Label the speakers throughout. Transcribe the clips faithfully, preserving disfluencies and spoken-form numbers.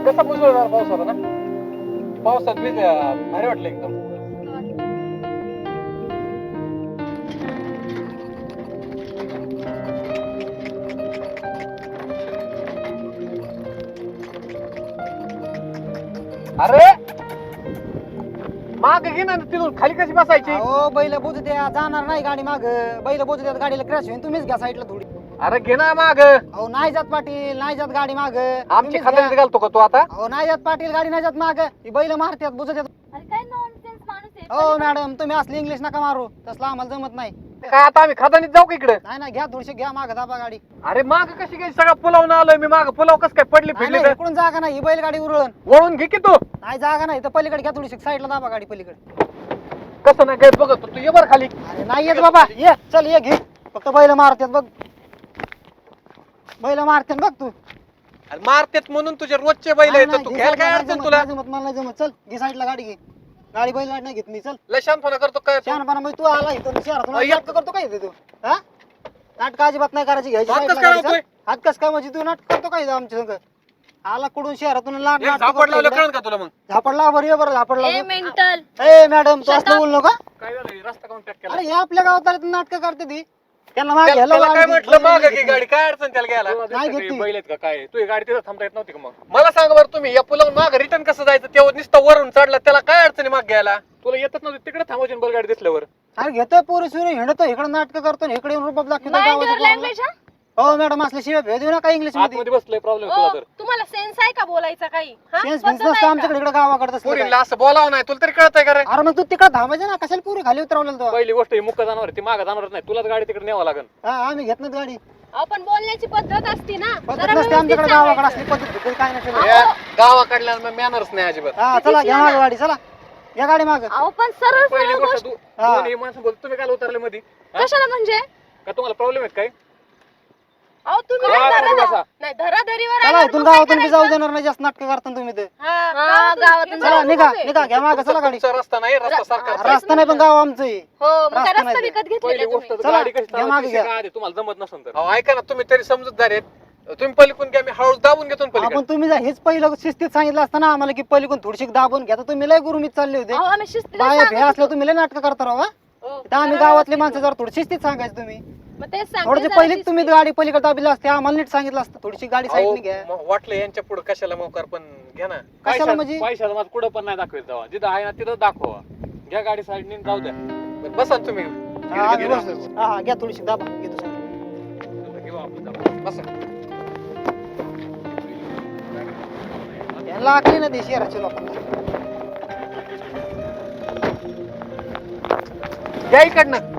Speaker 1: कसा मुसळधार पाऊस होता ना, पावसात भिजल्या भारी वाटलं एकदम. अरे माग घे ना, तिथून खाली कशी बसायची?
Speaker 2: हो बैल बोजू द्या, जाणार नाही गाडी माग. बैल बोजू द्या, गाडीला क्रॅश होईल. तुम्हीच घ्या साईडला थोडी.
Speaker 1: अरे घे ना माग.
Speaker 2: अहो नाही जात पाटील, नाही जात गाडी माग.
Speaker 1: आमची खात्यात घालतो का तू आता?
Speaker 2: हो नाही जात पाटील, गाडी नाही जात माग. ही बैल मारतात बोजू देत.
Speaker 3: अरे काय नॉनसेन्स माणूस आहे.
Speaker 2: हो मॅडम, तुम्ही असली इंग्लिश नका मारू, तसलं आम्हाला जमत नाही.
Speaker 1: काय आता आम्ही खादानीत जाऊ का इकडे?
Speaker 2: नाही नाही, घ्या थोडीशी, घ्या माग दाबा गाडी.
Speaker 1: अरे माग कशी काय? सगळा पुलावून आलोय मी. माग पुलाव कस काय पडली
Speaker 2: नाही,
Speaker 1: फिरली
Speaker 2: नाही,
Speaker 1: तर?
Speaker 2: इकडून जागा नाही, ही बैल गाडी उरळण.
Speaker 1: वळून घे की तू.
Speaker 2: नाही जागा नाही तर पलीकडे घ्या थोडीशी, साईडला दाबा गाडी पलीकडे.
Speaker 1: कसं नाही काय बघत तू, ये बर खाली.
Speaker 2: अरे नाही येत बाबा, ये चल ये घे. फक्त बैल मारतात बघ, बैल मारतात बघ तू.
Speaker 1: अरे मारतेत म्हणून तुझे रोजचे बैल
Speaker 2: नाही,
Speaker 1: आहेत,
Speaker 2: नाही,
Speaker 1: तू
Speaker 2: घे
Speaker 1: घ्यायला
Speaker 2: साईडला,
Speaker 1: काय
Speaker 2: नाही
Speaker 1: अडचण
Speaker 2: जमत,
Speaker 1: तुला?
Speaker 2: नाही जमत, मला नाही जमत. चल घे साईडला गाडी, घे गाडी. बैल गाडी नाही घेत मी. चल
Speaker 1: लय शांतपणा करतो काय तू?
Speaker 2: शहाणपणा म्हणजे तू आला इथून शहरातून
Speaker 1: अय्या.
Speaker 2: नाटक करतो काय इथे तू? हा नाटक अजिबात नाही करायची, घ्यायची
Speaker 1: हात
Speaker 2: साईडला
Speaker 1: कसं काय
Speaker 2: गाडी.
Speaker 1: लावतोय?
Speaker 2: चल. हात कस काय म्हणजे तू नाटक करतो काय इथं आमच्या संग? आला कुठून शहरातून लाट
Speaker 1: एक
Speaker 2: नाटक
Speaker 1: झापड लावलं
Speaker 2: करतो
Speaker 1: कळण
Speaker 2: इकडं.
Speaker 1: का तुला? मग
Speaker 2: झापडला बरं, ये बरं झापडला.
Speaker 3: ए मेंटल.
Speaker 2: ए मॅडम, तू
Speaker 3: Shut
Speaker 2: असं
Speaker 3: up.
Speaker 2: बोलू नका.
Speaker 1: काय झालं? रस्ता काऊन पॅक केला?
Speaker 2: अरे हे आपल्या गावात नाटक करते ती, त्यांना मागे
Speaker 1: त्याला
Speaker 2: ह्याला
Speaker 1: त्याला काय
Speaker 2: गाडी
Speaker 1: म्हटलं
Speaker 2: बैल
Speaker 1: माग
Speaker 2: नाही
Speaker 1: की
Speaker 2: घेत
Speaker 1: गाडी? काय अडचण त्याला घ्यायला?
Speaker 2: नाही घेत ती.
Speaker 1: बैल आहेत का काय? तू ही गाडी तिथं थांबता येत नव्हती का? मग मला सांग बरं, तुम्ही या पुलावून माग रिटर्न कसं जायचं? तेव्हा नुसतं वरून चढला, त्याला काय अडचणी माग घ्यायला? तुला येतच नव्हती तिकडे थांबायची बैल गाडी दिसल्यावर.
Speaker 2: अरे घेतोय पोरी सुरू हिंडतो, इकडे नाटक करतो, इकडे येऊन रुबाब दाखवतो
Speaker 3: माइंड युअर
Speaker 2: गावाच्या
Speaker 3: लँग्वेज.
Speaker 2: पोराला. हो मॅडम, असल्या शिवाय भेद देऊ नका इंग्लिश मध्ये.
Speaker 1: आतमध्ये बसलोय प्रॉब्लेम तुला तर.
Speaker 3: तुम्हाला सेन्स आहे का बोलायचा काही? हा?
Speaker 2: सेन्स
Speaker 3: पद्धत
Speaker 2: बिन्स
Speaker 3: आहे
Speaker 2: नसतं
Speaker 3: का?
Speaker 2: आमच्याकडे, इकडे गावाकडे तसलं काय.
Speaker 1: पोरीला असं बोलावं नाही, तुला तरी कळतंय का रे?
Speaker 2: अरे मग तू तिकडे थांबायचं ना, कशाला पुरी खाली उतरवलेलं तो?
Speaker 1: पहिली गोष्ट ही मुक्का जाणार, ती माग जाणारच नाही. तुलाच गाडी तिकडे न्यावं लागेल.
Speaker 2: हा आम्ही घेत नाही गाडी.
Speaker 3: आपण बोलण्याची पद्धत असती ना.
Speaker 2: पद्धत
Speaker 3: जरा
Speaker 2: नसते
Speaker 3: व्यवस्थित
Speaker 2: आमच्याकडे, गावाकडे
Speaker 3: सांगायचं.
Speaker 2: असली पद्धत भेटेल काय नाही
Speaker 3: अहो.
Speaker 2: ठेवलं.
Speaker 1: या गावाकडल्या मॅनर्स नाही अजिबात.
Speaker 2: हा चला घ्या मागं गाडी, चला या गाडी माग.
Speaker 3: अहो पण सरळ
Speaker 1: पहिली
Speaker 3: सरळ
Speaker 1: गोष्ट
Speaker 3: गोष्ट.
Speaker 1: तू
Speaker 2: हा.
Speaker 1: दोन्ही माणसं बोल, तुम्ही काय उतरले मध्ये? हा?
Speaker 3: कशाला म्हणजे?
Speaker 1: का तुम्हाला प्रॉब्लेम आहेत काय?
Speaker 3: अहो तुम्ही
Speaker 1: हा,
Speaker 3: नाही
Speaker 1: तुम्ही
Speaker 3: धरा-
Speaker 1: बसा.
Speaker 3: नाही धराधरीवर
Speaker 2: चला
Speaker 3: आल्यावर
Speaker 2: इथून
Speaker 3: मग काय
Speaker 2: गावातून बी जाऊ
Speaker 3: करायचं?
Speaker 2: देणार नाही, जास्त नाटक करता तुम्ही ते.
Speaker 3: हा, गावातून
Speaker 2: चला
Speaker 3: जाऊ
Speaker 2: निघा
Speaker 3: नका.
Speaker 2: निघा, घ्या माग चला गाडी.
Speaker 1: तुमचा रस्ता नाही, रस्ता सारखा
Speaker 3: हा,
Speaker 2: रस्ता नाही पण गाव आमचं आहे.
Speaker 3: हो मग काय
Speaker 2: रस्ता
Speaker 3: रस्ता
Speaker 2: नाही.
Speaker 3: विकत
Speaker 1: पहिली
Speaker 3: घेतलेला
Speaker 1: गोष्ट
Speaker 3: तुम्ही?
Speaker 2: चला,
Speaker 1: गाडी कशी
Speaker 2: घ्या मागे घ्या.
Speaker 1: चालवायची तुम्हाला जमत नसेल तर. अहो, ऐका ना, तुम्ही तरी समजूतदार आहेत. तुम्ही पलीकडून घ्या, मी हळूच दाबून घेतो ना पलीकडे.
Speaker 2: आपण तुम्ही जर हेच पहिलं शिस्तीत सांगितलं असतं ना आम्हाला की पलीकडून थोडीशी दाबून घ्या, तर तुम्ही लय गुरुमीत चालले होते.
Speaker 3: अहो आम्ही शिस्तीने
Speaker 2: बाया
Speaker 3: सांगत
Speaker 2: भे असलं तुम्ही लय नाटक करता राव. हा?
Speaker 3: होतो.
Speaker 2: तर आम्ही गावातले माणसं जर थोडी शिस्तीत सांगायचं तुम्ही.
Speaker 3: मग तेच सांगते
Speaker 2: थोडीशी
Speaker 3: जरा
Speaker 2: पहिलीच
Speaker 3: शिस्तीत.
Speaker 2: तुम्ही गाडी पलीकडे दाबली असते, आम्हाला नीट सांगितलं असतं थोडीशी गाडी
Speaker 1: अहो,
Speaker 2: साईडने घ्या.
Speaker 1: म- वाटलं यांच्या पुढे कशाला मोकार, पण घ्या ना.
Speaker 2: कशाला म्हणजे?
Speaker 4: पैशाला माझं कुठं पण नाही दाखवायचं जावा, जिथं आहे ना तिथं दाखवा. घ्या गाडी साईडने जाऊ द्या.
Speaker 1: बरं, बसा ना तुम्ही.
Speaker 2: हा, आम्ही
Speaker 1: गिरगिट
Speaker 2: बसलो.
Speaker 1: असं.
Speaker 2: हा हा, घ्या थोडीशी दाबा, घेतो सांगा.
Speaker 4: घेऊ आपण जाऊ.
Speaker 1: बसा.
Speaker 2: यांना आखली ना ते शहराच्या लोकांना.
Speaker 1: घ्या इकडनं.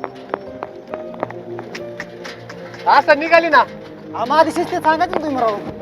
Speaker 1: असं निघाली ना.
Speaker 2: आम्हा आधी शिस्तीत सांगायचं ना तुम्ही राव.